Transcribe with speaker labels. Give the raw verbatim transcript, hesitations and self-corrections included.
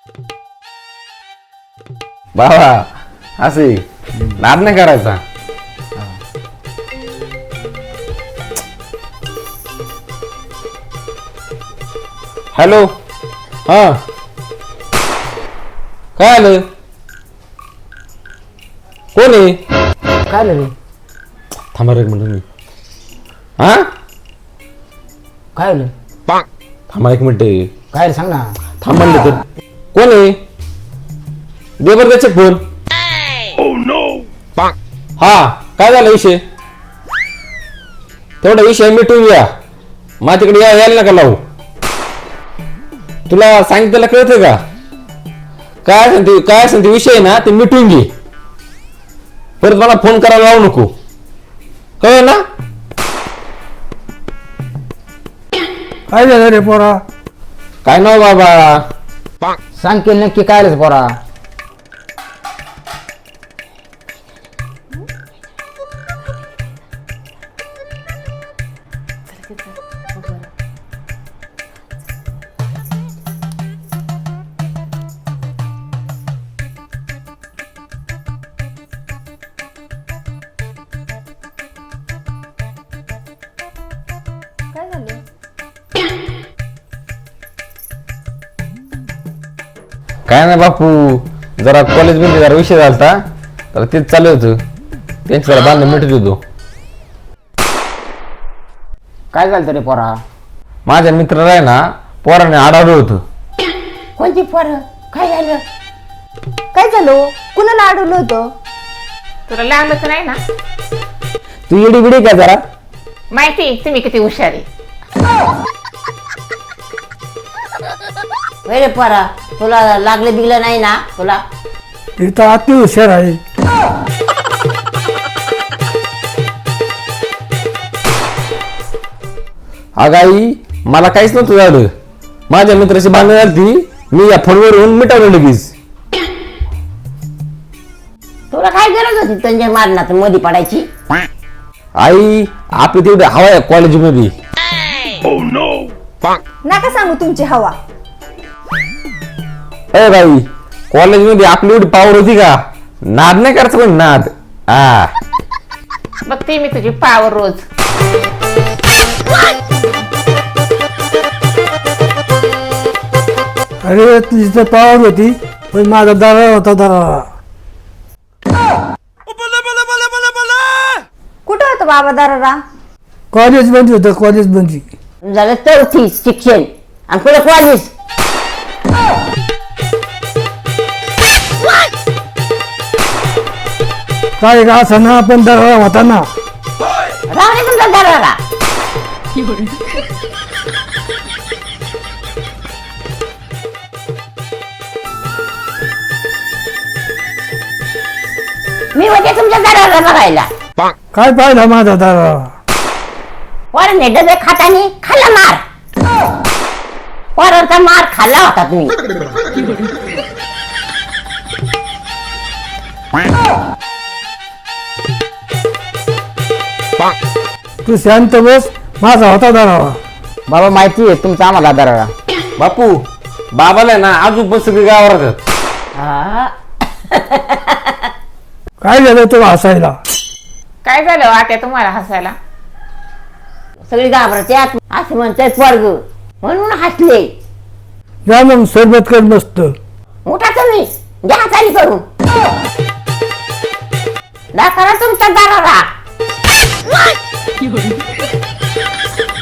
Speaker 1: बाबा असे नाद नाही करायचा. हॅलो हा काय आलं कोण आहे
Speaker 2: काय रे
Speaker 1: थांबा रे एक मिनिट मी हा
Speaker 2: काय आलं
Speaker 1: थांबा एक मिनिट
Speaker 2: काय रे सांग ना.
Speaker 1: थांब म्हणलं तर कोण आहे दे बरं त्याचे फोन. हा काय झाला विषय तेवढा विषय मिटून घ्या मा तिकडे या यायला नका लावू. तुला सांगितलं कळतं का काय असेल ते काय असेल ते विषय ना ते मिटून घे परत मला फोन करायला लावू नको कळ ना.
Speaker 2: काय झालं रे पोरा
Speaker 1: काय नाव बाबा
Speaker 2: सांग की नक्की काय रे पोरा.
Speaker 3: काय झालं?
Speaker 1: काय नाही बापू जरा कॉलेज मध्ये जरा विषय झालता तर तेच चालू होतं त्यांची जरा बांधणं मिटत होतो.
Speaker 2: काय झालं रे पोरा.
Speaker 1: माझ्या मित्राला आहे ना पोराने आडावलं होतं.
Speaker 3: कोणती पोर काय झालं? काय झालं कुणाला अडवलं होतं?
Speaker 4: तुला लागलं तर नाही ना
Speaker 2: तू येडी बिडी का जरा.
Speaker 4: माहिती तुम्ही किती हुशार आहे.
Speaker 3: रे पोरा तुला लागलं बिगलं नाही ना तुला?
Speaker 2: इथं अति हुशार आहे.
Speaker 1: अगं आई मला काहीच नव्हतं झालं माझ्या मित्राची बांधणं झाली मी या फोनवरून मिटवलं लगेच.
Speaker 3: तुला काय गरज होती त्यांच्या मारणात मध्ये पडायची?
Speaker 1: आई आपली तेवढी हवा आहे कॉलेजमध्ये.
Speaker 5: नका सांगू तुमची हवा.
Speaker 1: अरे बाई कॉलेजमध्ये आपली एवढी पावर होती का नाद नाही करायचं पण नाद. हा
Speaker 4: बघते मी तुझी पावर रोज.
Speaker 6: अरे तुझी तर पावर होती पण माझा दरार होता दरारा.
Speaker 5: कुठं होतं बाबा दारारा?
Speaker 6: कॉलेज बंद होतं कॉलेज बंदी.
Speaker 3: झालं चौथी शिक्षण आणि पुढे कॉलेज.
Speaker 6: काय का असं ना पण दरारा होता ना.
Speaker 3: राहणे तुमचा दरारा. मी होते तुमच्या दरारा बघायला.
Speaker 6: काय पाहिला माझा दरारा.
Speaker 3: पोरांनी डबे खातानी खाल्ला मार. पोरांचा मार खाल्ला होता तुम्ही.
Speaker 6: तू शांत बस माझा होता दरारा.
Speaker 2: बाबा माहिती आहे तुमचा आम्हाला दरारा.
Speaker 1: बापू बाबाला आहे ना अजून पण सगळी गावावर राहतात.
Speaker 3: हा.
Speaker 6: काय झालं तुला हसायला.
Speaker 4: काय झालं आता तुम्हाला हसायला?
Speaker 3: सगळी घाबरत्यात असं म्हणताय पोरग म्हणून हसले.
Speaker 6: या मग सरबत कर मस्त.
Speaker 3: उठा तुम्ही घ्या चाली करून. दाखवा तुमचा दरारा.